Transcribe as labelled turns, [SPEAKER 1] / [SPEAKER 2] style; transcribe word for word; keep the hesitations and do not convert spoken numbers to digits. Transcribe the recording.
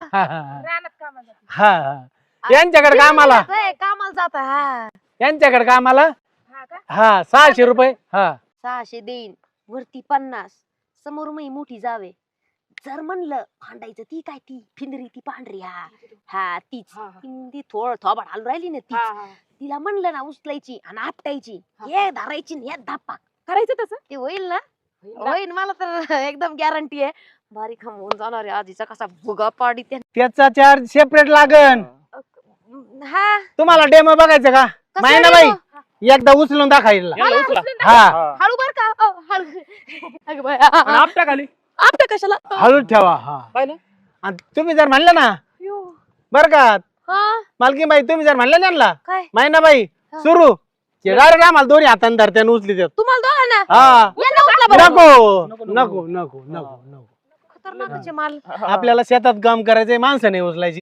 [SPEAKER 1] हा हा
[SPEAKER 2] रानात कामाला जाते.
[SPEAKER 1] हा हा यांच्याकडे कामाला
[SPEAKER 3] होय, कामाला जात हा
[SPEAKER 1] यांच्याकडे कामाला
[SPEAKER 2] हा का?
[SPEAKER 1] हा सहाशे रुपये हा
[SPEAKER 3] सहाशे देईन वरती पन्नास समोर मी मोठी जावे जर म्हणलं भांडायचं ती काय ती फिंदरी ती पांढरी हा हा तीच
[SPEAKER 2] हा, हा.
[SPEAKER 3] ती ती थोड थोबाड हालू राहिली ना
[SPEAKER 2] हा,
[SPEAKER 3] तीच
[SPEAKER 2] हा.
[SPEAKER 3] तिला म्हणलं ना उचलायची आणि आपटायची
[SPEAKER 2] हा.
[SPEAKER 3] हे धरायची आणि हे धापा
[SPEAKER 2] करायचं तसं
[SPEAKER 3] ते होईल ना
[SPEAKER 2] होईल ना?
[SPEAKER 3] होईल मला तर एकदम गॅरंटी आहे बारीक होऊन जाणार आहे आजीचा कसा भुगा पाडी त्या
[SPEAKER 1] त्याचा चार्ज सेपरेट लागन
[SPEAKER 3] हा
[SPEAKER 1] तुम्हाला डेमो बघायचं का
[SPEAKER 3] कसला
[SPEAKER 1] माहिती बाई
[SPEAKER 3] demo?
[SPEAKER 1] एकदा उचलून दाखवायला
[SPEAKER 2] याला उचलून टाक.
[SPEAKER 1] हा
[SPEAKER 3] हळू बर का अ, हळू अगं बाई,
[SPEAKER 2] आणि आपटा खाली
[SPEAKER 3] आपटा कशाला
[SPEAKER 1] हळू ठेवा हा
[SPEAKER 2] पाहिलं
[SPEAKER 1] आणि तुम्ही जर म्हणले ना
[SPEAKER 3] यो.
[SPEAKER 1] बर का
[SPEAKER 3] हा
[SPEAKER 1] मालकी बाई तुम्ही जर म्हणले त्यांना
[SPEAKER 3] काय
[SPEAKER 1] माहिना बाई
[SPEAKER 3] हा.
[SPEAKER 1] सुरू डायरेक्ट आम्हाला दोन्ही हाताने धरते आणि उचली देत
[SPEAKER 3] तुम्हाला दोघांना
[SPEAKER 1] हा
[SPEAKER 3] यांना उचला बरं.
[SPEAKER 1] नको नको नको नको नको
[SPEAKER 3] खतरनाकचे माल
[SPEAKER 1] आपल्याला शेतात काम करायचंय माणसं नाही उचलायची